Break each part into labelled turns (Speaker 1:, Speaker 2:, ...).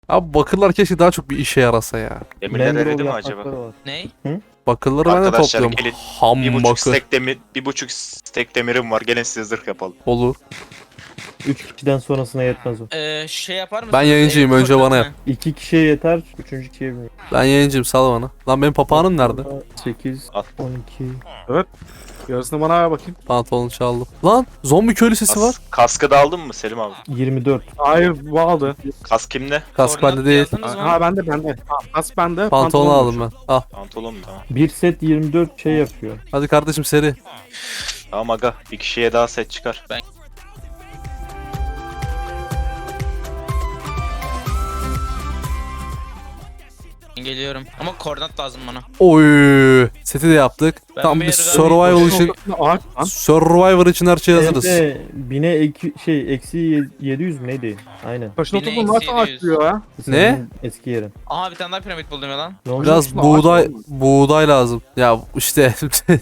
Speaker 1: Abi bakırlar keşke daha çok bir işe yarasa ya.
Speaker 2: Demirler
Speaker 3: Mangrove
Speaker 2: eridi mi
Speaker 3: yaprakları
Speaker 2: acaba?
Speaker 3: var.
Speaker 4: Ney?
Speaker 1: Bakırları ben de
Speaker 2: Arkadaşlar
Speaker 1: topluyorum.
Speaker 2: gelin.
Speaker 1: Ham
Speaker 2: Bir buçuk
Speaker 1: bakır.
Speaker 2: stek demir, bir buçuk stek demirim var. Gelin size zırh yapalım.
Speaker 1: Olur.
Speaker 3: 3 kişiden sonrasına yetmez o.
Speaker 4: Şey yapar mısın?
Speaker 1: Ben yayıncıyım, önce bana yap.
Speaker 3: 2 kişiye yeter, 3. kişiye bilmiyorum.
Speaker 1: Ben yayıncıyım, sal bana. Lan benim papağanım nerede?
Speaker 3: 8,
Speaker 2: Al.
Speaker 3: 12.
Speaker 5: Yarısını bana ver bakayım.
Speaker 1: Pantolonu çaldım. Lan zombi köylü sesi var.
Speaker 2: Kaskı da aldın mı Selim abi?
Speaker 3: 24.
Speaker 5: Hayır bu aldı.
Speaker 2: Kask kimde?
Speaker 1: Kask bende değil.
Speaker 5: Ha bende. Ha, kas bende.
Speaker 1: Pantolonu aldım
Speaker 5: yok.
Speaker 1: ben. Al.
Speaker 2: Pantolon mu? Tamam.
Speaker 3: Bir set 24 şey yapıyor.
Speaker 1: Hadi kardeşim seri.
Speaker 2: Tamam aga. Bir kişiye daha set çıkar.
Speaker 4: Geliyorum. Ama koordinat lazım bana.
Speaker 1: Oy. Seti de yaptık.
Speaker 4: Ben
Speaker 1: Tam
Speaker 4: bir
Speaker 1: bir
Speaker 4: yere
Speaker 1: survival
Speaker 4: döneyim.
Speaker 1: için.
Speaker 5: Ağaç lan.
Speaker 1: Survivor için her şey hazırız.
Speaker 3: Evde bine eksi 700 mü neydi? Aynen.
Speaker 5: Taşın
Speaker 4: Yine
Speaker 5: oturduğun nasıl
Speaker 4: eksi
Speaker 5: ağaç
Speaker 4: 700.
Speaker 5: diyor ya?
Speaker 1: Ne?
Speaker 3: Senin eski yerin.
Speaker 4: Aha bir tane daha piramit buldum ya lan.
Speaker 3: Ne oldu?
Speaker 1: Biraz
Speaker 5: Ağaç
Speaker 1: buğday
Speaker 5: mı?
Speaker 1: buğday lazım. Ya işte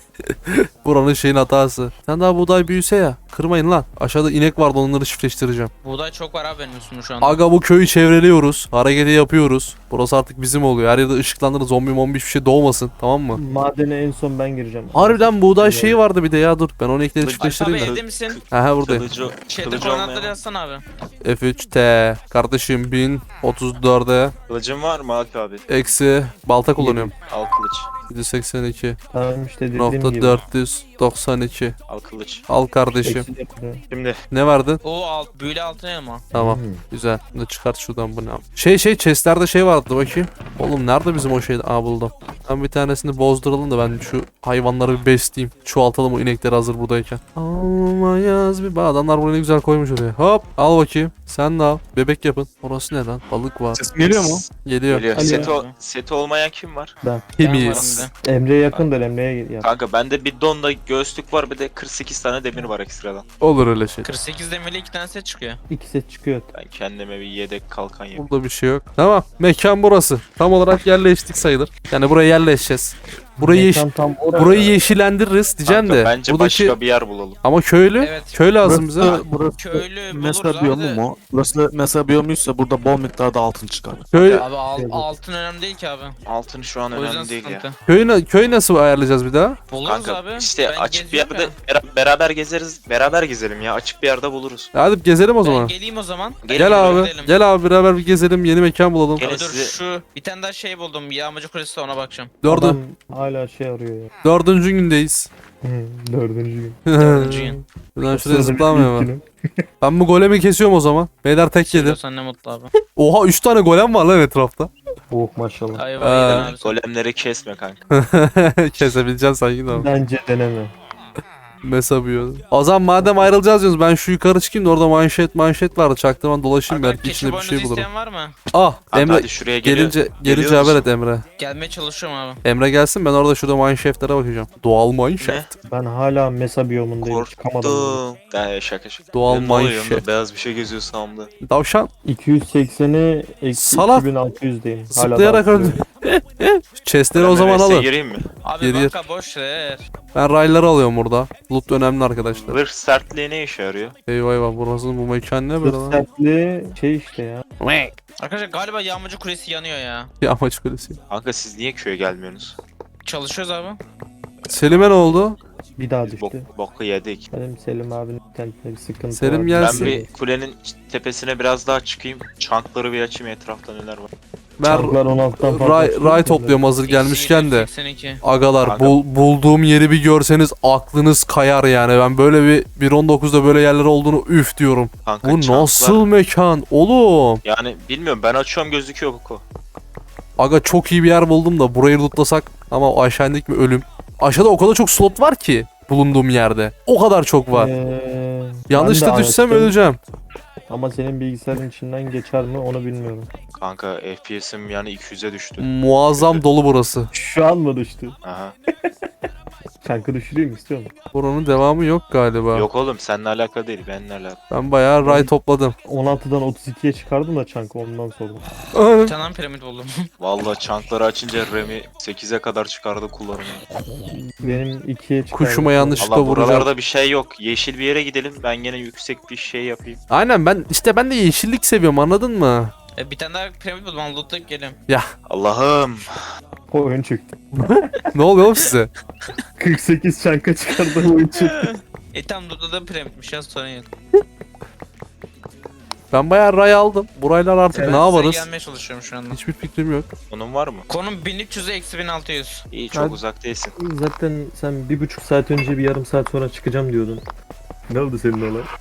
Speaker 1: buranın şeyin hatası. Sen daha buğday büyüse ya. Kırmayın lan. Aşağıda inek vardı, onları çiftleştireceğim.
Speaker 4: Buğday çok var abi benim üstümde şu anda.
Speaker 1: Aga bu köyü çevreliyoruz. Hareketi yapıyoruz. Burası artık bizim oluyor. Her yerde ışıklandırır, zombi mombi hiçbir şey doğmasın. Tamam mı?
Speaker 3: Madene en son ben gireceğim.
Speaker 1: Harbiden buğday şeyi vardı bir de ya, dur. Ben onu ekleri
Speaker 2: Alp
Speaker 4: Alp abi
Speaker 1: çiftleştireyim de.
Speaker 4: evde misin?
Speaker 1: Aha buradayım.
Speaker 2: Kılıcı,
Speaker 4: Şeyde
Speaker 2: kılıcı
Speaker 4: koordinatları
Speaker 2: olmayan.
Speaker 4: yazsana abi.
Speaker 1: F3T. Kardeşim 1034'e.
Speaker 2: Kılıcın var mı Alp abi?
Speaker 1: Eksi. Balta kullanıyorum.
Speaker 2: Al kılıç.
Speaker 1: 782.
Speaker 3: Tamam işte dediğim
Speaker 1: Nokta
Speaker 3: gibi.
Speaker 1: 492.
Speaker 2: Al kılıç.
Speaker 1: Al kardeşim.
Speaker 3: Eksi de yapıyor.
Speaker 2: Şimdi
Speaker 1: Ne verdin?
Speaker 4: O büyülü altın elma.
Speaker 1: Tamam.
Speaker 3: Hmm.
Speaker 1: Güzel. Bunu çıkart şuradan, bu ne? Chest'lerde şey vardı, bakayım. Oğlum nerede bizim o şey? Aa buldum. Ben bir tanesini bozduralım da ben şu hayvanları bir besleyeyim. Çoğaltalım o inekleri hazır buradayken. Almayız bir adamlar burayı ne güzel koymuş oraya. Hop al bakayım. Sen de al. Bebek yapın. Orası ne lan? Balık var.
Speaker 5: Sesim geliyor mu?
Speaker 1: Geliyor.
Speaker 2: geliyor.
Speaker 3: Alo.
Speaker 2: Seti olmayan kim var?
Speaker 3: Ben.
Speaker 1: Temiz.
Speaker 3: Emre'ye yakındır, Emre'ye yap.
Speaker 2: Kanka bende bir donda göğüslük var, bir de 48 tane demir var ekstradan.
Speaker 1: Olur öyle şey.
Speaker 4: 48 demirli 2 tane set çıkıyor.
Speaker 3: 2 set çıkıyor.
Speaker 2: Ben kendime bir yedek kalkan yapayım.
Speaker 1: Burada bir şey yok. Tamam. Mekan burası. Tam olarak yerleştik sayılır. Yani buraya yerleşeceğiz.
Speaker 3: Mekan tam orada.
Speaker 1: Burayı yeşillendiririz diyeceğim
Speaker 2: Kanka,
Speaker 1: de.
Speaker 2: bence
Speaker 1: buradaki
Speaker 2: başka bir yer bulalım.
Speaker 1: ama köylü.
Speaker 4: Evet.
Speaker 1: Köy lazım bize.
Speaker 5: Burası
Speaker 4: Köylü
Speaker 5: mesa
Speaker 4: buluruz abi
Speaker 5: biyomu
Speaker 4: de.
Speaker 5: mu? Burası mesa biyomuysa burada bol miktarda altın çıkar.
Speaker 1: Köy
Speaker 4: Abi altın önemli değil ki abi.
Speaker 2: Altın şu an
Speaker 4: O yüzden
Speaker 2: önemli değil ya.
Speaker 4: sıkıntı.
Speaker 1: köy nasıl ayarlayacağız bir daha?
Speaker 4: Buluruz
Speaker 2: Kanka
Speaker 4: abi.
Speaker 2: işte
Speaker 4: Ben
Speaker 2: açık bir
Speaker 4: gezeceğim
Speaker 2: yerde beraber gezeriz. Beraber gezelim ya. Açık bir yerde buluruz.
Speaker 1: Hadi gezelim o
Speaker 4: Ben
Speaker 1: zaman.
Speaker 4: geleyim o zaman.
Speaker 1: Gel abi.
Speaker 4: Gidelim.
Speaker 1: Gel abi beraber bir gezelim. Yeni mekan bulalım.
Speaker 2: Gel.
Speaker 4: Abi dur
Speaker 2: size-
Speaker 4: şu bir tane daha şey buldum. Yağmacı kulesi de ona bakacağım.
Speaker 3: Adam hala şey arıyor ya.
Speaker 1: Dördüncü gündeyiz.
Speaker 3: Dördüncü gün.
Speaker 4: Dördüncü gün.
Speaker 1: Buradan şuraya zıplamıyor mu? Ben bu golemi kesiyorum o zaman. Beyler tek yedi.
Speaker 4: Söylüyorsan ne mutlu abi.
Speaker 1: Oha 3 tane golem var lan etrafta.
Speaker 3: Oh maşallah.
Speaker 4: Ayva yedin abi. sen.
Speaker 2: Golemleri kesme kanka.
Speaker 1: Kesebileceksin sanki de ama.
Speaker 3: Bence deneme.
Speaker 1: Mesabıyor. O zaman madem ayrılacağız diyoruz, ben şu yukarı çıkayım da orada manşet vardı. Çaktırman dolaşayım,
Speaker 4: Abi,
Speaker 1: belki
Speaker 4: keçi
Speaker 1: içinde bir şey
Speaker 4: boynuzu
Speaker 1: bulurum.
Speaker 4: isteyen var mı?
Speaker 1: Ah
Speaker 2: Hadi,
Speaker 1: Emre
Speaker 2: hadi şuraya geliyor.
Speaker 1: gelince
Speaker 2: Geliyoruz.
Speaker 1: haber et Emre.
Speaker 4: Gelmeye çalışıyorum abi.
Speaker 1: Emre gelsin, ben orada şurada mineshaft'lere bakacağım. Doğal mineshaft.
Speaker 3: Ben hala mesa biyomundayım. Çıkamadım.
Speaker 2: Korktum. Şaka şaka.
Speaker 1: Doğal
Speaker 2: Benim ne oluyor
Speaker 1: mineshaft.
Speaker 2: yanımda? Beyaz bir şey geziyor sağımda.
Speaker 1: Tavşan
Speaker 3: 280'e eksi
Speaker 1: Salak.
Speaker 3: 2600'deyim.
Speaker 1: zıplayarak
Speaker 3: daha
Speaker 1: öldü. Chestleri o zaman
Speaker 2: Golemlere
Speaker 1: alın.
Speaker 2: gireyim mi?
Speaker 4: Abi
Speaker 1: Geriye-
Speaker 4: banka boş ver.
Speaker 1: Ben rayları alıyorum burada. Loot önemli arkadaşlar.
Speaker 2: Zırh sertliği ne işe yarıyor?
Speaker 1: Eyvah eyvah, burası bu mekan ne böyle lan?
Speaker 3: Sertli şey işte ya.
Speaker 4: Arkadaşlar galiba yağmacı kulesi yanıyor ya.
Speaker 1: Yağmaç kulesi.
Speaker 2: Kanka siz niye köye gelmiyorsunuz?
Speaker 4: Çalışıyoruz abi.
Speaker 1: Selim'e ne oldu?
Speaker 3: Bir daha
Speaker 2: Biz
Speaker 3: düştü.
Speaker 2: boku yedik.
Speaker 3: Benim Selim abinin internette bir sıkıntı
Speaker 1: Selim
Speaker 3: var.
Speaker 1: gelsin.
Speaker 2: Ben bir kulenin tepesine biraz daha çıkayım. Çankları bir açayım, etrafta neler var.
Speaker 1: Ben
Speaker 3: Çarklar 16'dan fazla
Speaker 1: ray
Speaker 3: açılıyor.
Speaker 1: topluyorum hazır gelmişken de.
Speaker 4: 82.
Speaker 1: Agalar
Speaker 2: Aga.
Speaker 1: bulduğum yeri bir görseniz aklınız kayar yani. Ben böyle bir 1.19'da böyle yerler olduğunu üf diyorum.
Speaker 2: Kanka
Speaker 1: Bu
Speaker 2: çanklar-
Speaker 1: nasıl mekan oğlum?
Speaker 2: Yani bilmiyorum, ben açıyorum gözüküyor boku.
Speaker 1: Aga çok iyi bir yer buldum da burayı lootlasak ama o aşağı indik mi ölüm. Aşağıda o kadar çok slot var ki bulunduğum yerde. O kadar çok var. Yanlış
Speaker 3: ben de
Speaker 1: da düşsem
Speaker 3: açtım.
Speaker 1: öleceğim.
Speaker 3: Ama senin bilgisayarın içinden geçer mi onu bilmiyorum.
Speaker 2: Kanka FPS'im yani 200'e düştü.
Speaker 1: Muazzam dolu burası.
Speaker 3: Şu an mı düştü?
Speaker 2: Aha.
Speaker 3: Çankı düşüreyim istiyor musun?
Speaker 1: Buranın devamı yok galiba.
Speaker 2: Yok oğlum, seninle alakalı değil, benimle alakalı.
Speaker 1: Ben bayağı ray topladım.
Speaker 3: 16'dan 32'ye çıkardım da çankı ondan sordum.
Speaker 4: Bir tane piramit buldum.
Speaker 2: Vallahi çankları açınca Remi 8'e kadar çıkardı kullarını.
Speaker 3: Benim 2'ye çıkardım.
Speaker 1: Kuşuma yanlışlıkla
Speaker 2: Allah,
Speaker 1: vuracağım.
Speaker 2: buralarda bir şey yok. Yeşil bir yere gidelim, ben gene yüksek bir şey yapayım.
Speaker 1: Aynen ben de yeşillik seviyorum, anladın mı?
Speaker 4: Bir tane daha piramit buldum. Onu lootlayıp geliyorum.
Speaker 2: Allah'ım.
Speaker 3: Oyun çıktı.
Speaker 1: Ne oluyor oğlum size?
Speaker 3: 48 çanka çıkardı oyun çıktı.
Speaker 4: Tam lootladığım piramitmiş ya, sorun yok.
Speaker 1: Ben bayağı ray aldım. Buraylar artık
Speaker 4: Ben
Speaker 1: ne yaparız?
Speaker 4: size gelmeye çalışıyorum şu anda.
Speaker 1: Hiçbir fikrim yok.
Speaker 2: Onun var mı?
Speaker 4: Konum 1300'e eksi 1600.
Speaker 2: İyi, çok
Speaker 3: Hadi.
Speaker 2: uzak değilsin.
Speaker 3: Zaten sen 1,5 saat önce bir yarım saat sonra çıkacağım diyordun. Ne oldu senin olay?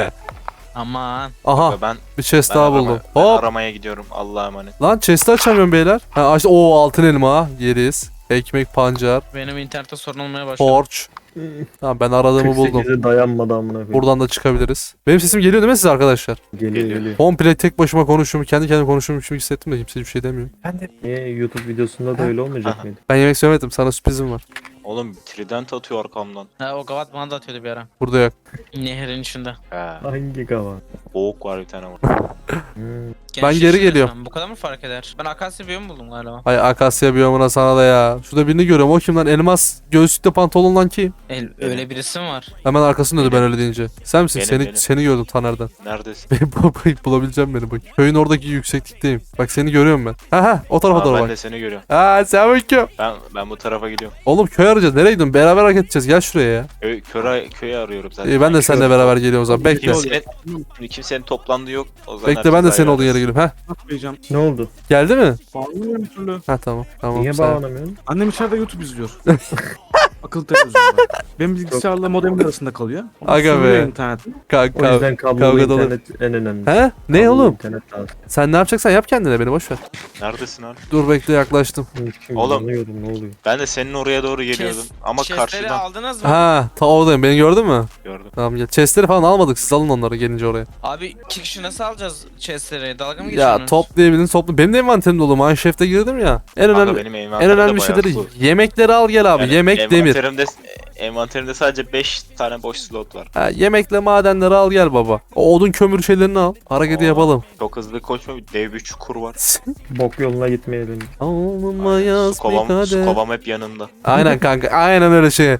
Speaker 4: Aman.
Speaker 1: Aha
Speaker 2: Ben
Speaker 1: bir chest
Speaker 2: ben,
Speaker 1: daha
Speaker 2: arama-
Speaker 1: buldum.
Speaker 2: ben
Speaker 1: Hop.
Speaker 2: aramaya gidiyorum. Allah'a emanet.
Speaker 1: Lan chest'i açamıyorum beyler. Ha işte o altın elma yeriz. Ekmek pancar.
Speaker 4: Benim internette sorun olmaya başladı.
Speaker 1: Torch. Tamam ben aradığımı buldum.
Speaker 3: 48'e dayanmadı amına koyayım.
Speaker 1: Buradan da çıkabiliriz. Benim sesim geliyor değil mi size arkadaşlar?
Speaker 3: Geliyor
Speaker 2: Geliyor.
Speaker 3: geliyor.
Speaker 1: Komple tek başıma konuşuyorum. Kendi kendime konuşuyorum gibi hissettim de kimse bir şey demiyor.
Speaker 3: Niye YouTube videosunda da öyle olmayacak mıydı?
Speaker 1: Ben yemek söylemedim. Sana sürprizim var.
Speaker 2: Oğlum trident atıyor arkamdan.
Speaker 4: Ha, o gavat bana da atıyordu bir ara.
Speaker 1: Burada yok.
Speaker 4: Nehrin içinde.
Speaker 2: He.
Speaker 3: Hangi kava?
Speaker 2: Boğuk var bir tane var.
Speaker 3: Hmm.
Speaker 1: Ben geri
Speaker 4: Gençleşiyoruz
Speaker 1: geliyorum.
Speaker 4: lan. Bu kadar mı fark eder? Ben akasya biyomu buldum galiba.
Speaker 1: Ay Akasya biyomuna sana da ya. Şurada birini görüyorum. O kim lan? Elmas göğüslükte pantolonlan kim?
Speaker 4: Öyle birisi mi var?
Speaker 1: Hemen arkasında döndü ben öyle deyince. Sen misin?
Speaker 2: Benim.
Speaker 1: Seni gördüm Taner'den.
Speaker 2: Neredesin?
Speaker 1: Bulabileceğim beni bak. Köyün oradaki yükseklikteyim. Bak seni görüyorum ben. Ha o tarafa
Speaker 2: Aa,
Speaker 1: doğru
Speaker 2: ben
Speaker 1: bak.
Speaker 2: de seni görüyorum.
Speaker 1: Aa sen bakıyorum.
Speaker 2: Ben bu tarafa gidiyorum.
Speaker 1: Oğlum köy arayacağız. Nereye gidiyorsun? Beraber hareket edeceğiz. Gel şuraya ya.
Speaker 2: Köyü arıyorum zaten.
Speaker 1: İyi ben de seninle beraber geliyorum o zaman. Bekle.
Speaker 2: Kimsenin toplandığı yok. O zaman
Speaker 1: Bekle ben de
Speaker 2: herkes
Speaker 1: senin
Speaker 2: ayrı
Speaker 1: olduğun yere
Speaker 2: arasın.
Speaker 1: geliyorum. Heh.
Speaker 5: Atmayacağım.
Speaker 3: Ne oldu?
Speaker 1: Geldi mi?
Speaker 5: Bağlamıyorum bir türlü.
Speaker 1: Ha tamam. Tamam.
Speaker 3: Niye
Speaker 1: sen-
Speaker 3: bağlanamıyorsun?
Speaker 5: Annem içeride YouTube izliyor. Akıllı televizyonda. Benim bilgisayarla modemin arasında kalıyor. Onu
Speaker 1: Aga
Speaker 5: sürüyor
Speaker 1: be.
Speaker 5: internetten.
Speaker 3: O yüzden kablolu
Speaker 1: kavga dolu.
Speaker 3: internet en önemli.
Speaker 1: He? Ne
Speaker 3: Kablolu
Speaker 1: oğlum?
Speaker 3: İnternet lazım.
Speaker 1: Sen ne yapacaksan yap kendine beni boş ver.
Speaker 2: Neredesin abi?
Speaker 1: Dur bekle yaklaştım.
Speaker 3: Şimdi
Speaker 2: Oğlum.
Speaker 3: anlıyordum, ne oluyor?
Speaker 2: Ben de senin oraya doğru geliyordum. Ama
Speaker 4: Chestleri
Speaker 2: karşıdan
Speaker 4: aldınız mı?
Speaker 1: Ha ta oradayım. Beni gördün mü?
Speaker 2: gördüm.
Speaker 1: Tamam gel. Chestleri falan almadık. Siz alın onları gelince oraya.
Speaker 4: Abi 2 kişi nasıl alacağız chestleri? Dalga mı
Speaker 1: Ya
Speaker 4: geçiyorsunuz?
Speaker 1: toplayabildin topla. Benim de envanterim dolu. Mineshaft'e girdim ya. En
Speaker 2: Kanka
Speaker 1: önemli
Speaker 2: benim
Speaker 1: en
Speaker 2: envanterimde
Speaker 1: önemli
Speaker 2: bayağı
Speaker 1: şeyleri
Speaker 2: full.
Speaker 1: yemekleri al gel abi.
Speaker 2: Yani
Speaker 1: Yemek demir.
Speaker 2: Envanterimde sadece 5 tane boş slot var.
Speaker 1: Ha, yemekle madenleri al gel baba. O odun kömür şeylerini al. Hareketi
Speaker 2: Oo.
Speaker 1: yapalım.
Speaker 2: Çok hızlı koşma, dev bir çukur var.
Speaker 3: Bok yoluna gitmeye döndüm.
Speaker 1: Alnıma yaz
Speaker 2: Su
Speaker 1: bir
Speaker 2: kovam, su
Speaker 1: kadeh.
Speaker 2: kovam hep yanında.
Speaker 1: Aynen kanka aynen öyle şey.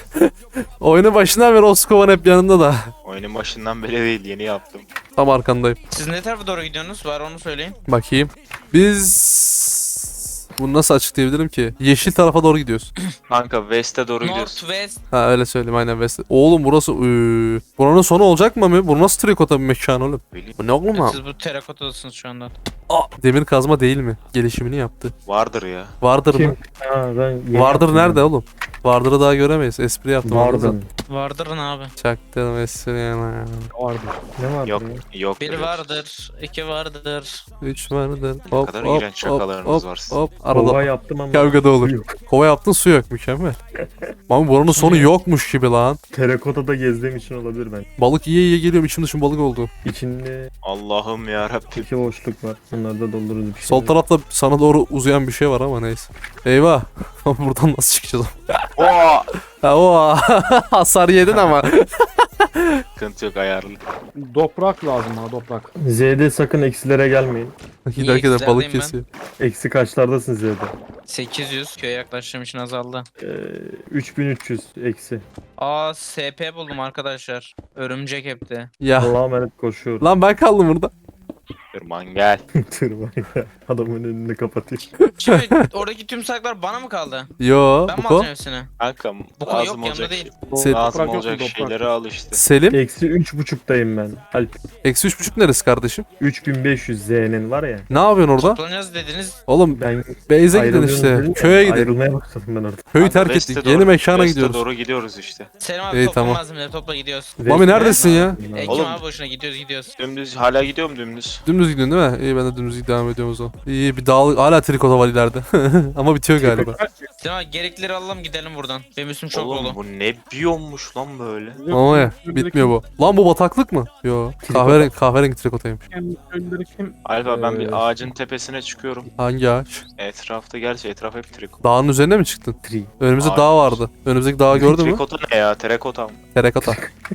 Speaker 1: Oyunun başından beri o skovan hep yanında da.
Speaker 2: Oyunun başından beri değil, yeni yaptım.
Speaker 1: Tam arkandayım.
Speaker 4: Siz ne tarafa doğru gidiyorsunuz? Var onu söyleyin.
Speaker 1: Bakayım. Biz... Bunu nasıl açıklayabilirim ki? Yeşil tarafa doğru gidiyoruz.
Speaker 2: Kanka West'e doğru gidiyorsun.
Speaker 4: Northwest.
Speaker 1: Ha öyle söyleyeyim aynen West. Oğlum burası... Buranın sonu olacak mı? Bu nasıl trikota bir mekan oğlum?
Speaker 2: Bileyim.
Speaker 1: Bu ne oğlum ha?
Speaker 4: Siz bu terakotadasınız şu anda.
Speaker 1: Demir kazma değil mi? Gelişimini yaptı.
Speaker 2: Vardır ya.
Speaker 1: Vardır mı?
Speaker 3: Kim? Ha ben yeni
Speaker 1: Vardır
Speaker 3: yaptım
Speaker 1: nerede
Speaker 3: ya.
Speaker 1: oğlum? Vardır'ı daha göremeyiz. Espri yaptım.
Speaker 3: Vardın.
Speaker 4: Vardırın abi.
Speaker 1: Çaktım espri yana.
Speaker 5: Vardı.
Speaker 3: Ne vardı
Speaker 2: Yok,
Speaker 3: ya?
Speaker 2: yok.
Speaker 4: Bir vardır, 2 vardır.
Speaker 1: 3 vardır.
Speaker 2: Ne kadar iğrenç şakalarınız var sizin.
Speaker 1: Hop.
Speaker 3: Kova
Speaker 1: Arada
Speaker 3: yaptım ama.
Speaker 1: kavga da olur.
Speaker 3: Yok.
Speaker 1: Kova yaptın su yok. Mükemmel. Ama buranın sonu yokmuş gibi lan.
Speaker 3: Terakotada gezdiğim için olabilir ben.
Speaker 1: Balık yiye yiye geliyorum. İçim dışım balık oldu.
Speaker 3: İçinde
Speaker 2: Allah'ım yarabbim.
Speaker 3: 2 boşluk var. Bunları da doldururuz bir şey.
Speaker 1: Sol tarafta sana doğru uzayan bir şey var ama neyse. Eyvah. Buradan nasıl çıkacağız?
Speaker 2: Oo!
Speaker 1: Ha o hasar yedin ama.
Speaker 2: Sıkıntı yok, ayarlı.
Speaker 5: Toprak lazım bana toprak.
Speaker 3: Z'de sakın eksilere gelmeyin.
Speaker 1: Giderken de balık
Speaker 4: eksilerdeyim ben?
Speaker 1: kesiyor.
Speaker 3: Eksi kaçlardasın Z'de?
Speaker 4: 800 köye yaklaştığım için azaldı.
Speaker 3: 3300 eksi.
Speaker 4: Aa SP buldum arkadaşlar. Örümcek hepti.
Speaker 1: Ya.
Speaker 3: Allah'a emanet koşuyorum.
Speaker 1: Lan ben kaldım burada.
Speaker 2: Tırman gel.
Speaker 3: Tırman ya. Adamın önünü kapatıyor.
Speaker 4: Şimdi oradaki tüm saklar bana mı kaldı?
Speaker 1: Yo.
Speaker 4: Ben mi
Speaker 1: Buko.
Speaker 4: alacağım hepsini?
Speaker 2: Kanka
Speaker 4: Bu konu
Speaker 2: lazım
Speaker 4: yok, yanımda
Speaker 2: olacak
Speaker 4: değil.
Speaker 1: Se-
Speaker 2: lazım
Speaker 5: Toprak yok mu,
Speaker 2: olacak
Speaker 5: toprak?
Speaker 2: şeyleri al işte.
Speaker 1: Selim.
Speaker 3: Eksi 3.5'tayım ben. Alp.
Speaker 1: Eksi 3.5 neresi kardeşim?
Speaker 3: 3500 Z'nin var ya.
Speaker 1: Ne yapıyorsun orada?
Speaker 4: Toplanacağız dediniz.
Speaker 1: Oğlum
Speaker 3: Ben
Speaker 1: Beyze gidin
Speaker 3: ayrılıyorum
Speaker 1: işte.
Speaker 3: dedim ya,
Speaker 1: Köye gidin.
Speaker 3: Ayrılmaya başladım ben orada.
Speaker 1: Köyü
Speaker 2: Kanka,
Speaker 1: terk
Speaker 2: West'e
Speaker 1: ettik.
Speaker 2: doğru-
Speaker 1: Yeni mekana
Speaker 2: West'e
Speaker 1: gidiyoruz.
Speaker 2: doğru gidiyoruz işte.
Speaker 4: Selim abi
Speaker 1: İyi,
Speaker 4: topla
Speaker 1: tamam.
Speaker 4: malzemeleri topla gidiyoruz.
Speaker 1: Mami neredesin ya?
Speaker 4: Ekim
Speaker 2: Oğlum.
Speaker 4: abi boşuna gidiyoruz.
Speaker 2: Dümdüz hala gidiyorum dümdüz.
Speaker 1: Dümdüz gidiyorsun değil mi? İyi ben de dümdüz devam ediyorum o zaman. İyi bir dağ hala trikota var ileride. Ama bitiyor galiba.
Speaker 4: Selim abi gereklileri alalım gidelim buradan. Benim üstüm çok
Speaker 2: Oğlum
Speaker 4: dolu.
Speaker 2: bu ne biyommuş lan böyle.
Speaker 1: Ama ya bitmiyor bu. Lan bu bataklık mı? Yo. Kahverengi trikotaymış.
Speaker 5: Köylüleri kim?
Speaker 2: Alfa ben bir ağacın tepesine çıkıyorum.
Speaker 1: Hangi ağaç?
Speaker 2: Etrafta gerçi etraf hep trikot.
Speaker 1: Dağın üzerine mi çıktın?
Speaker 3: Tri.
Speaker 1: Önümüzde
Speaker 2: Hayır.
Speaker 1: dağ vardı. Önümüzdeki dağı gördün mü?
Speaker 2: Trikota ne ya? Terakota mı?
Speaker 1: Terakota.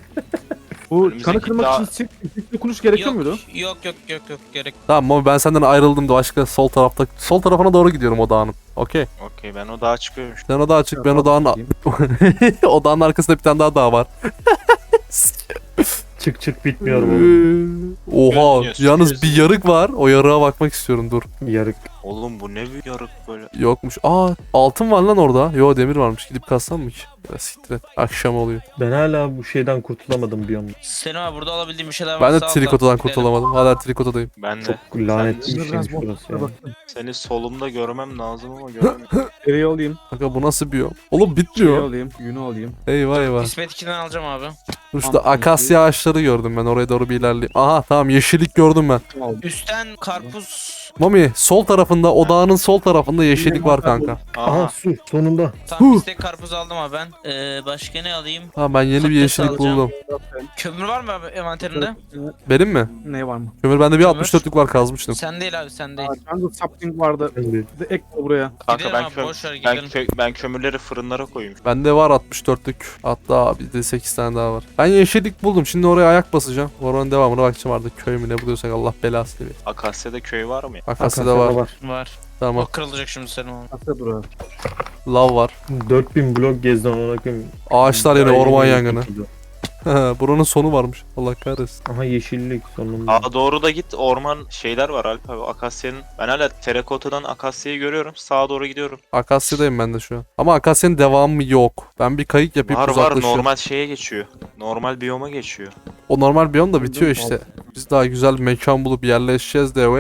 Speaker 5: Bu
Speaker 2: Önümüzdeki
Speaker 5: kanı kırmak
Speaker 2: dağ-
Speaker 5: için çift dokunuş gerekiyor
Speaker 4: Yok,
Speaker 5: muydu?
Speaker 4: yok gerek.
Speaker 1: Tamam ama ben senden ayrıldım da başka sol tarafta. Sol tarafına doğru gidiyorum o dağın. Okey.
Speaker 2: Okey ben o dağa çıkıyorum işte.
Speaker 1: Sen o dağa çık ben o dağın... o dağın arkasında bir tane daha dağ var.
Speaker 3: Çık çık bitmiyor bu.
Speaker 1: Oha
Speaker 2: Görünüyor,
Speaker 1: yalnız bir yarık var. O yarığa bakmak istiyorum dur.
Speaker 3: Yarık.
Speaker 2: Oğlum bu ne bir yarık böyle.
Speaker 1: Yokmuş. Aa altın var lan orada. Yo demir varmış. Gidip kassam mı ki? Ya siktir et. Akşam oluyor.
Speaker 3: Ben hala bu şeyden kurtulamadım bir anda.
Speaker 4: Senin abi burada alabildiğim bir şeyler
Speaker 1: Ben de
Speaker 4: varsa al da
Speaker 1: trikotadan
Speaker 4: gidelim.
Speaker 1: kurtulamadım. Hala trikotadayım.
Speaker 2: Ben de
Speaker 3: Çok lanetli
Speaker 5: Şimdi
Speaker 3: bir
Speaker 5: biraz
Speaker 3: şeymiş burası ya.
Speaker 5: bakın.
Speaker 2: seni solumda görmem lazım ama göremiyorum.
Speaker 5: Eriyi alayım.
Speaker 1: Kanka bu nasıl bir yol? Oğlum
Speaker 5: Şeyi
Speaker 1: bitmiyor.
Speaker 5: alayım. Yünü alayım.
Speaker 1: Eyvah eyvah.
Speaker 4: İsmet 2'den alacağım abi.
Speaker 1: Dur şurada akasya ağaçları gördüm ben. Oraya doğru bir ilerleyeyim. Aha tamam yeşillik gördüm ben.
Speaker 5: Aldım.
Speaker 4: Üstten karpuz.
Speaker 1: Mami sol tarafında odağının sol tarafında yeşillik var kanka.
Speaker 3: Aha
Speaker 2: Aha.
Speaker 3: su sonunda.
Speaker 4: Tam istek karpuz aldım abi ben. Başka ne alayım?
Speaker 1: Ha ben yeni bir
Speaker 4: Patates
Speaker 1: yeşillik
Speaker 4: alacağım.
Speaker 1: buldum.
Speaker 4: Kömür var mı abi envanterinde?
Speaker 1: Benim mi?
Speaker 5: Ne var mı?
Speaker 1: Kömür bende bir
Speaker 4: Kömür.
Speaker 1: 64'lük var kazmıştım.
Speaker 4: Sen değil abi sen değil.
Speaker 5: Bende sapling vardı.
Speaker 3: Ben de.
Speaker 5: Bir de ek var buraya.
Speaker 2: Kanka
Speaker 4: Gidelim
Speaker 2: ben,
Speaker 4: abi, boş ver,
Speaker 2: ben,
Speaker 4: gidelim.
Speaker 2: ben kömürleri fırınlara koyayım.
Speaker 1: Bende var 64'lük. Hatta bir de 8 tane daha var. Ben yeşillik buldum. Şimdi oraya ayak basacağım. Oranın devamına bakacağım artık. Köy mü ne buluyorsak Allah belası verir.
Speaker 2: Akasya'da köy var mı ya?
Speaker 1: Akasya'da var.
Speaker 4: Var.
Speaker 1: Tamam.
Speaker 4: O kırılacak şimdi senin abi.
Speaker 5: Asya durağı.
Speaker 1: Lav var.
Speaker 3: 4000 blok gezdim ona koyayım.
Speaker 1: Ağaçlar yine
Speaker 3: Daha
Speaker 1: orman
Speaker 3: yeni
Speaker 1: yangını.
Speaker 3: kurtuldu.
Speaker 1: Buranın sonu varmış. Allah kahretsin.
Speaker 3: Aha yeşillik sonunda.
Speaker 2: Sağa doğru da git, orman şeyler var Alp abi. Akasya'nın, ben hala terakotadan Akasya'yı görüyorum. Sağa doğru gidiyorum.
Speaker 1: Akasya'dayım ben de şu an. Ama Akasya'nın devamı yok. Ben bir kayık yapıp
Speaker 2: Var
Speaker 1: uzaklaşıyorum.
Speaker 2: normal şeye geçiyor. Normal biyoma geçiyor.
Speaker 1: O normal biyom da bitiyor işte. Biz daha güzel bir mekan bulup yerleşeceğiz de.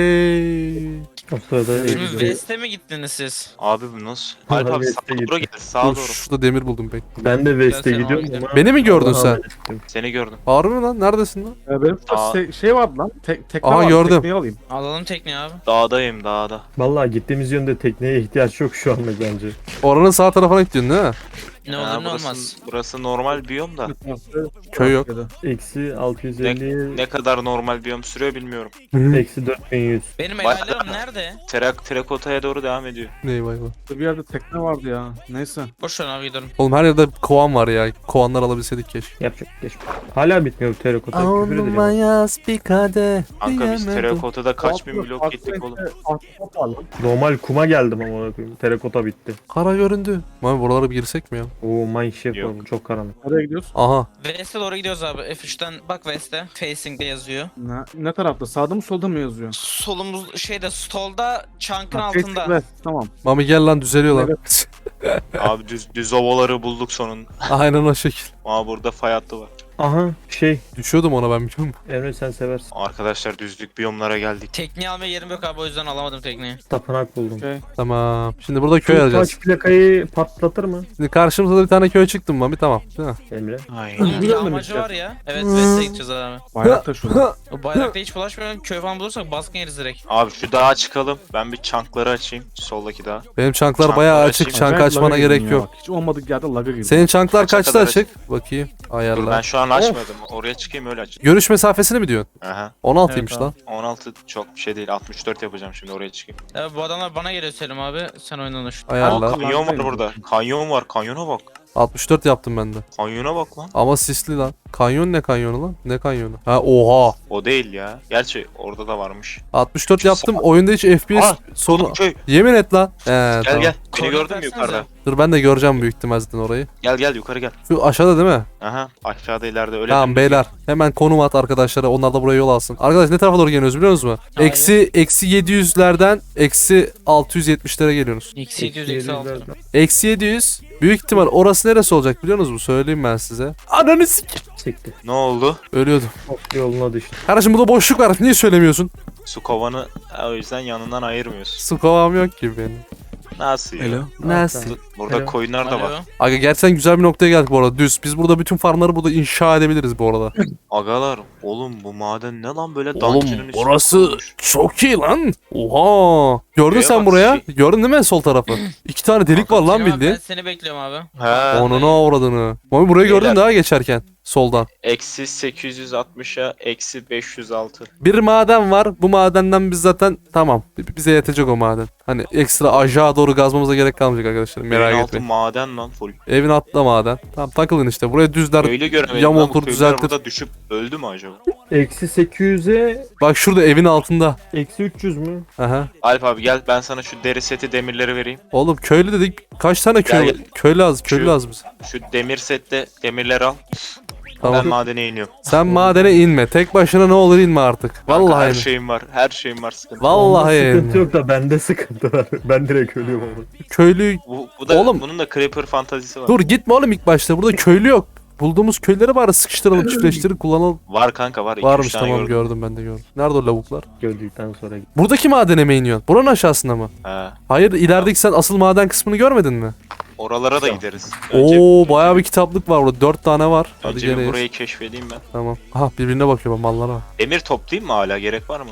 Speaker 1: Wey.
Speaker 3: O sırada
Speaker 4: Şimdi
Speaker 3: Eylül'de-
Speaker 4: West'e mi gittiniz siz?
Speaker 2: Abi bu nasıl?
Speaker 3: Ha,
Speaker 2: Alp abi
Speaker 3: West'e
Speaker 2: sağa doğru
Speaker 3: gitti.
Speaker 2: gel. Sağa
Speaker 1: Dur
Speaker 2: doğru.
Speaker 1: şurada demir buldum pek.
Speaker 3: Ben de West'e
Speaker 4: Gel sen
Speaker 3: gidiyorum
Speaker 4: abi,
Speaker 3: ama.
Speaker 1: Beni mi gördün
Speaker 3: Allah'a
Speaker 1: sen?
Speaker 3: emanet ettim.
Speaker 2: Seni gördüm.
Speaker 1: Harbi mi lan? Neredesin lan?
Speaker 5: Benim
Speaker 2: Aa.
Speaker 5: şey vardı lan. Tekne
Speaker 1: Aha,
Speaker 5: vardı.
Speaker 1: gördüm.
Speaker 5: Tekneyi alayım.
Speaker 4: Alalım tekneyi abi.
Speaker 2: Dağdayım dağda.
Speaker 3: Vallahi gittiğimiz yönde tekneye ihtiyaç yok şu anda bence.
Speaker 1: Oranın sağ tarafına gidiyorsun değil mi?
Speaker 4: Ne
Speaker 2: Ha,
Speaker 4: olur ne
Speaker 2: burası,
Speaker 4: olmaz.
Speaker 2: burası normal biyom da.
Speaker 1: Köy yok.
Speaker 3: Eksi 650.
Speaker 2: Ne kadar normal biyom sürüyor bilmiyorum.
Speaker 3: Eksi 4100.
Speaker 4: Benim
Speaker 2: Bak-
Speaker 4: helallerim nerede?
Speaker 2: Terakotaya doğru devam ediyor.
Speaker 1: Ney vay vay.
Speaker 5: Bir yerde tekne vardı ya. Neyse.
Speaker 4: Boş ver abi gidelim.
Speaker 1: Oğlum her yerde kovan var ya. Kovanlar alabilseydik keşke.
Speaker 3: Yapacak geç. Hala bitmiyor bu terakota. Küfür edeceğim.
Speaker 1: yaz bir kadeh.
Speaker 2: Kanka biz terakotada kaç bin blok gittik oğlum.
Speaker 5: Ahtapot var lan.
Speaker 3: Normal kuma geldim ama ona koyayım. Terakota bitti.
Speaker 1: Kara göründü. Mami buralara bir girsek mi ya?
Speaker 3: Oo mineshaft
Speaker 2: Yok.
Speaker 3: var. Çok karanlık.
Speaker 5: Nereye gidiyoruz?
Speaker 1: Aha.
Speaker 4: West'e doğru gidiyoruz abi. F3'ten bak West'e. Facing'de yazıyor.
Speaker 5: Ne tarafta? Sağda mı solda mı yazıyor?
Speaker 4: Solumuz şeyde stolda chunk'ın
Speaker 5: Ha,
Speaker 4: altında.
Speaker 5: evet, tamam.
Speaker 1: Mami gel lan düzeliyor lan.
Speaker 2: Abi düz ovaları bulduk sonunda.
Speaker 1: Aynen o şekil.
Speaker 2: Aa burada fay hattı var.
Speaker 3: Aha
Speaker 1: Düşüyordum ona ben biliyor musun?
Speaker 3: Emre sen seversin.
Speaker 2: Arkadaşlar düzlük biyomlara geldik.
Speaker 4: Tekneyi almaya yerim yok abi o yüzden alamadım tekneyi.
Speaker 3: Tapınak buldum.
Speaker 5: Okey.
Speaker 1: Tamam. Şimdi burada köy
Speaker 3: Şu
Speaker 1: arayacağız.
Speaker 3: taş plakayı patlatır mı
Speaker 1: Şimdi karşımıza da bir tane köy çıktı Mami tamam. Değil mi?
Speaker 3: Emre?
Speaker 2: Aynen.
Speaker 4: Bunun bir
Speaker 5: Güzel mi
Speaker 4: amacı
Speaker 5: gideceğiz?
Speaker 4: var ya. Evet West'e gideceğiz abi.
Speaker 5: Bayrak taşıyorlar.
Speaker 4: O bayrakta hiç bulaşmayalım. Köy falan bulursak baskın yeriz direkt.
Speaker 2: Abi şu dağa çıkalım. Ben bir çankları açayım. Soldaki dağa.
Speaker 1: Benim çanklar
Speaker 2: Çanklar
Speaker 1: bayağı
Speaker 2: açayım.
Speaker 1: açık. Çank
Speaker 5: Acayip
Speaker 1: açmana
Speaker 5: laga girdim
Speaker 1: gerek
Speaker 5: ya
Speaker 1: yok.
Speaker 5: bak. Hiç olmadık yerde laga girdim.
Speaker 1: Senin çanklar
Speaker 2: Kaça
Speaker 1: kaçta
Speaker 2: kadar
Speaker 1: açık? Bakayım.
Speaker 2: Dur ben
Speaker 1: Ayarla.
Speaker 2: şu an açmadım. Oraya çıkayım öyle açayım.
Speaker 1: Görüş mesafesini mi diyorsun?
Speaker 2: Aha.
Speaker 1: 16'ymış
Speaker 4: Evet
Speaker 1: lan.
Speaker 2: 16 çok bir şey değil. 64 yapacağım şimdi oraya çıkayım.
Speaker 4: Ya bu adamlar bana geliyor Selim abi. Sen oyundan uç.
Speaker 1: Ayarla.
Speaker 5: Aa,
Speaker 2: Kanyon var
Speaker 5: Kullandayım.
Speaker 2: burada. Kanyon var. Kanyona bak.
Speaker 1: 64 yaptım ben de.
Speaker 2: Kanyona bak lan.
Speaker 1: Ama sisli lan. Kanyon ne kanyonu lan? Ne kanyonu? Ha oha.
Speaker 2: O değil ya. Gerçi orada da varmış.
Speaker 1: 64 yaptım. Oyunda hiç FPS
Speaker 2: Aa,
Speaker 1: sorunu.
Speaker 2: Köy.
Speaker 1: Yemin et lan.
Speaker 2: Gel
Speaker 1: Tamam.
Speaker 2: gel. Beni
Speaker 4: Koordinat
Speaker 2: gördün mü
Speaker 4: versenize.
Speaker 2: yukarıda?
Speaker 1: Dur ben de göreceğim büyük ihtimalle zaten orayı.
Speaker 2: Gel gel yukarı gel.
Speaker 1: Şu aşağıda değil mi?
Speaker 2: Aha aşağıda ileride öyle.
Speaker 1: Tamam
Speaker 2: dümdüz
Speaker 1: beyler. Hemen konum at arkadaşlara. Onlar da buraya yol alsın. Arkadaş ne tarafa doğru geliyoruz biliyor musunuz?
Speaker 4: Hayır.
Speaker 1: Eksi 700'lerden eksi 670'lere geliyorsunuz.
Speaker 4: Eksi 700 eksi 6.
Speaker 1: Eksi 700. Büyük ihtimal orası neresi olacak biliyor musunuz? Söyleyeyim ben size. Ananı sik.
Speaker 3: Sikti.
Speaker 2: Ne oldu?
Speaker 1: Ölüyordum.
Speaker 3: Of yoluna düştü.
Speaker 1: Kardeşim burada boşluk var. Niye söylemiyorsun?
Speaker 2: Su kovanı o yüzden yanından ayırmıyorsun.
Speaker 1: Su kovam yok ki benim.
Speaker 2: Nasıl ya?
Speaker 5: Hello.
Speaker 1: Nasıl?
Speaker 2: Burada
Speaker 3: Alo.
Speaker 2: koyunlar da var.
Speaker 4: Alo.
Speaker 1: Aga gerçekten güzel bir noktaya geldik bu arada. Düz. Biz burada bütün farmları burada inşa edebiliriz bu arada.
Speaker 2: Agalar oğlum bu maden ne lan böyle
Speaker 1: Oğlum
Speaker 2: dungeon'ın içinde
Speaker 1: orası
Speaker 2: kurulmuş?
Speaker 1: çok iyi lan. Oha. Gördün
Speaker 2: Buraya
Speaker 1: sen
Speaker 2: bak,
Speaker 1: buraya. Gördün değil mi sol tarafı? 2 tane delik var lan
Speaker 4: Selim abi,
Speaker 1: bildiğin.
Speaker 4: ben seni bekliyorum abi.
Speaker 2: He.
Speaker 1: Onunu avradını. Mami burayı gördün
Speaker 2: Beyler.
Speaker 1: daha geçerken. Soldan.
Speaker 2: Eksi 860'a eksi 506.
Speaker 1: Bir maden var. Bu madenden biz zaten tamam. Bize yetecek o maden. Hani ekstra aşağı doğru gazmamıza gerek kalmayacak arkadaşlar. Merak
Speaker 2: Merak
Speaker 1: etmeyin.
Speaker 2: maden lan full.
Speaker 1: Evin altında maden. Tamam takılın işte. Buraya düzler.
Speaker 2: Öyle göremedim
Speaker 1: Yam
Speaker 2: lan bu
Speaker 1: otur,
Speaker 2: köylüler
Speaker 1: düzeltir.
Speaker 2: burada düşüp öldü mü acaba?
Speaker 3: Eksi 800'e
Speaker 1: Bak şurada evin altında.
Speaker 3: eksi 300 mü?
Speaker 1: Aha.
Speaker 2: Alp abi gel ben sana şu deri seti demirleri vereyim.
Speaker 1: Oğlum köylü dedik. Kaç tane köy
Speaker 2: Gel,
Speaker 1: var?
Speaker 2: gel.
Speaker 1: Köy lazım. Köylü
Speaker 2: Şu-
Speaker 1: lazım bize.
Speaker 2: Şu demir sette demirleri al.
Speaker 1: Tamam.
Speaker 2: Ben madene iniyorum.
Speaker 1: Sen madene inme. Tek başına ne olur inme artık.
Speaker 2: Kanka,
Speaker 1: Vallahi
Speaker 2: her
Speaker 1: inme.
Speaker 2: şeyim var. Her şeyim var, sıkıntı.
Speaker 1: Vallahi
Speaker 3: Onda sıkıntı
Speaker 1: inme.
Speaker 3: yok da bende sıkıntı var. Ben direkt ölüyorum orada.
Speaker 1: Köylü...
Speaker 2: Bu da
Speaker 1: Oğlum.
Speaker 2: bunun da creeper fantazisi var.
Speaker 1: Dur gitme oğlum ilk başta. Burada köylü yok. Bulduğumuz köyleri bari sıkıştıralım, çiftleştirip kullanalım.
Speaker 2: Var kanka, var. 2-3
Speaker 1: Varmış
Speaker 2: tane
Speaker 1: tamam
Speaker 2: gördüm.
Speaker 1: gördüm ben de gördüm. Nerede o lavuklar?
Speaker 3: Gördükten sonra git.
Speaker 1: Buradaki madene mi iniyorsun? Buranın aşağısında mı?
Speaker 2: He.
Speaker 1: Hayır ilerideki sen asıl maden kısmını görmedin mi?
Speaker 2: Oralara da gideriz.
Speaker 1: Oo bayağı bir kitaplık var burada. 4 tane var. Hadi
Speaker 2: Önce bir
Speaker 1: geleyiz.
Speaker 2: burayı keşfedeyim ben.
Speaker 1: Tamam. Aha birbirine bakıyor bak mallara.
Speaker 2: Demir toplayayım mı hala? Gerek var mı?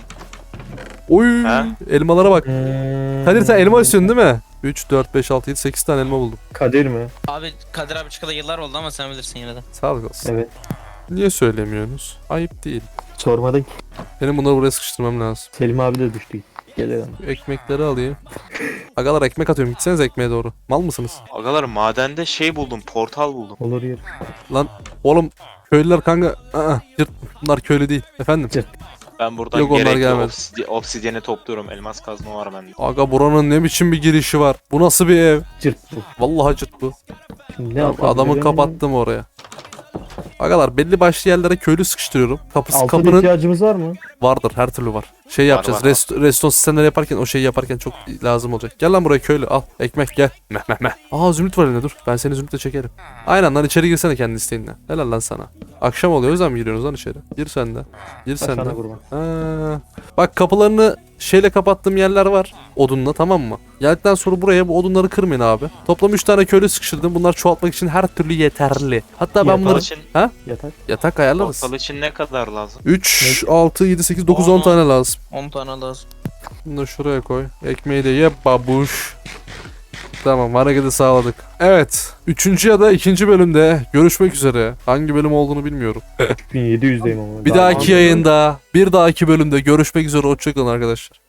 Speaker 1: Oy
Speaker 2: Ha?
Speaker 1: elmalara bak. Kadir sen elma istiyorsun değil mi? 3, 4, 5, 6, 7, 8 tane elma buldum.
Speaker 3: Kadir mi?
Speaker 4: Abi Kadir abi çıkalı yıllar oldu ama sen bilirsin yine de.
Speaker 1: Sağlık olsun.
Speaker 3: Evet.
Speaker 1: Niye söylemiyorsunuz? Ayıp değil.
Speaker 3: Sormadın ki.
Speaker 1: Benim bunları buraya sıkıştırmam lazım.
Speaker 3: Selim abi de düştü. Gelelim.
Speaker 1: Ekmekleri alayım. Agalar ekmek atıyorum. Gitseniz ekmeğe doğru. Mal mısınız?
Speaker 2: Agalar madende şey buldum. Portal buldum.
Speaker 3: Olur yer.
Speaker 1: Lan oğlum köylüler kanka. Yırt. Bunlar köylü değil. Efendim?
Speaker 2: Ben buradan
Speaker 1: Yok, onlar
Speaker 2: gerekli
Speaker 1: gelmedi.
Speaker 2: obsidyeni topluyorum. Elmas kazma var bende.
Speaker 1: Aga buranın ne biçim bir girişi var. Bu nasıl bir ev?
Speaker 3: Cırt bu.
Speaker 1: Vallahi cırt bu.
Speaker 3: Şimdi ne yapalım?
Speaker 1: Adamı kapattım oraya. Agalar belli başlı yerlere köylü sıkıştırıyorum.
Speaker 3: Altın
Speaker 1: Kapının
Speaker 3: ihtiyacımız var mı?
Speaker 1: vardır her türlü var. Şey yapacağız.
Speaker 2: var.
Speaker 1: Restore sistemleri yaparken o şeyi yaparken çok lazım olacak. Gel lan buraya köylü al. Ekmek gel. Meh meh meh. Aa zümrüt var elinde dur. Ben seni zümrütle çekerim. Aynen lan içeri girsene kendi isteğinle. Helal lan sana. Akşam oluyor o yüzden mi giriyorsunuz lan içeri? Gir sen de. Gir sen de.
Speaker 3: Sana kurban.
Speaker 1: Ha. Bak kapılarını şeyle kapattığım yerler var. Odunla tamam mı? Geldikten sonra buraya bu odunları kırmayın abi. Toplam 3 tane köylü sıkıştırdım. Bunlar çoğaltmak için her türlü yeterli. Hatta ben
Speaker 3: Yatak
Speaker 1: bunları
Speaker 2: için,
Speaker 3: Yatak.
Speaker 1: yatak ayarlarız.
Speaker 2: portal için ne kadar lazım?
Speaker 1: 3, 6, 7, 8, 9, 10
Speaker 4: Aa.
Speaker 1: tane lazım.
Speaker 4: 10 tane lazım.
Speaker 1: Bunu da şuraya koy. Ekmeği de ye babuş. Tamam hareketi sağladık. Evet. 3. ya da 2. bölümde görüşmek üzere. Hangi bölüm olduğunu bilmiyorum.
Speaker 3: 1700'deyim ama.
Speaker 1: Bir
Speaker 3: Daha
Speaker 1: dahaki
Speaker 3: var mı?
Speaker 1: yayında, bir dahaki bölümde görüşmek üzere. Hoşçakalın arkadaşlar.